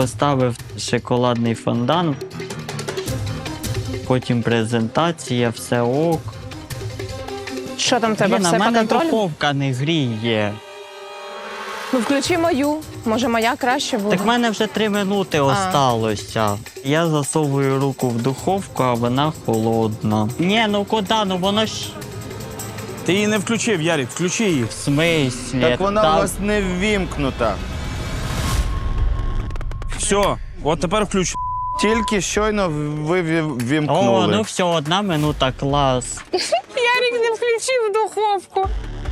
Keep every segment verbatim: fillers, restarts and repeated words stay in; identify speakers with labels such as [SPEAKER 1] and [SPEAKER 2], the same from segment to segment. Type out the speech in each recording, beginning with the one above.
[SPEAKER 1] поставив шоколадний фондан, потім презентація, все ок.
[SPEAKER 2] Що там в тебе,
[SPEAKER 1] Блін, а
[SPEAKER 2] все
[SPEAKER 1] в
[SPEAKER 2] по
[SPEAKER 1] мене
[SPEAKER 2] контролю?
[SPEAKER 1] духовка не гріє.
[SPEAKER 2] Ну, включи мою. Може, моя краще буде?
[SPEAKER 1] Так в мене вже три минути осталося. Я засовую руку в духовку, а вона холодна. Ні, ну куди? Ну воно ж...
[SPEAKER 3] Ти її не включив, Ярик, включи її.
[SPEAKER 1] В смислі?
[SPEAKER 4] Так вона
[SPEAKER 1] Та-
[SPEAKER 4] у вас не ввімкнута.
[SPEAKER 3] Все, от тепер включи.
[SPEAKER 4] Тільки щойно ви вві-
[SPEAKER 1] О,
[SPEAKER 4] ввімкнули.
[SPEAKER 1] ну все, одна минута, клас.
[SPEAKER 2] Ярик не включив духовку.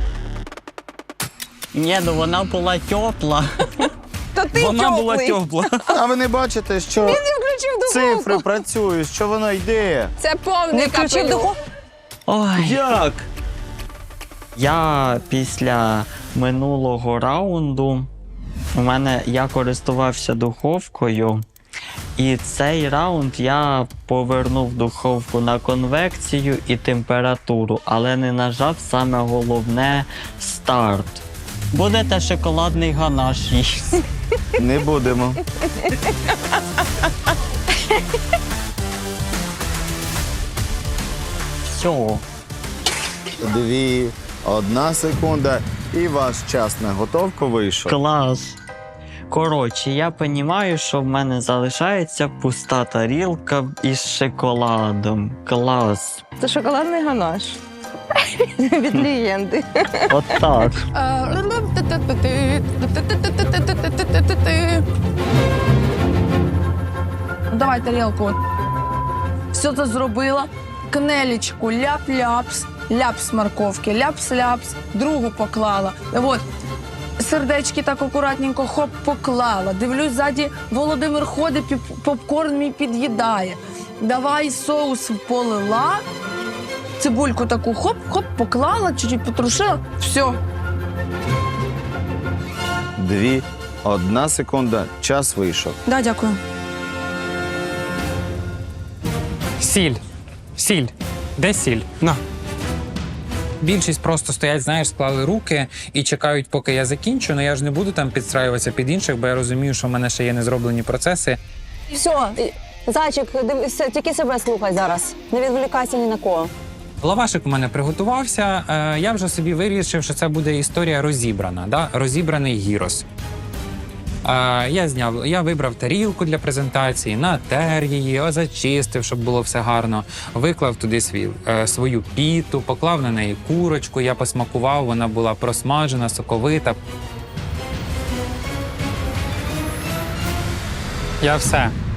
[SPEAKER 1] Ні, ну вона була тепла.
[SPEAKER 2] То ти
[SPEAKER 3] Вона
[SPEAKER 2] тьоплий.
[SPEAKER 3] була тепла.
[SPEAKER 4] А ви не бачите, що
[SPEAKER 2] Він не включив духовку.
[SPEAKER 4] цифри працюють, що воно йде?
[SPEAKER 2] Це повний
[SPEAKER 5] включив
[SPEAKER 2] капелюх.
[SPEAKER 5] духовку?
[SPEAKER 1] Ой.
[SPEAKER 3] Як?
[SPEAKER 1] Я після минулого раунду, у мене я користувався духовкою, і цей раунд я повернув духовку на конвекцію і температуру, але не нажав саме головне старт. Будете шоколадний ганаш їсти.
[SPEAKER 4] Не будемо.
[SPEAKER 1] Все.
[SPEAKER 4] Дві, одна секунда, і ваш час на готовку вийшов.
[SPEAKER 1] Клас. Коротше, я розумію, що в мене залишається пуста тарілка із шоколадом. Клас.
[SPEAKER 2] Це шоколадний ганаш. Від легенди.
[SPEAKER 1] От так.
[SPEAKER 5] Давай тарілку. Все це зробила. Кнелечку, ляп-ляпс, ляпс морковки, ляпс-ляпс, другу поклала. От. Сердечки так акуратненько хоп поклала. Дивлюсь, ззаді Володимир ходить, піп- попкорн мій під'їдає. Давай соус полила, цибульку таку хоп-хоп поклала, чуть-чуть потрушила. Все.
[SPEAKER 4] Дві, одна секунда, час вийшов.
[SPEAKER 5] Да, дякую.
[SPEAKER 6] Сіль. Сіль. Де сіль? На. Більшість просто стоять, знаєш, склали руки і чекають, поки я закінчу. Ну я ж не буду там підстраюватися під інших, бо я розумію, що в мене ще є незроблені процеси.
[SPEAKER 7] Все, зайчик, дивися, тільки себе слухай зараз. Не відволікайся ні на кого.
[SPEAKER 6] Лавашик у мене приготувався. Е, я вже собі вирішив, що це буде історія розібрана, да? Розібраний гірос. Е, я зняв, я вибрав тарілку для презентації, натер її, зачистив, щоб було все гарно. Виклав туди свій, е, свою піту, поклав на неї курочку, я посмакував, вона була просмажена, соковита. Я все.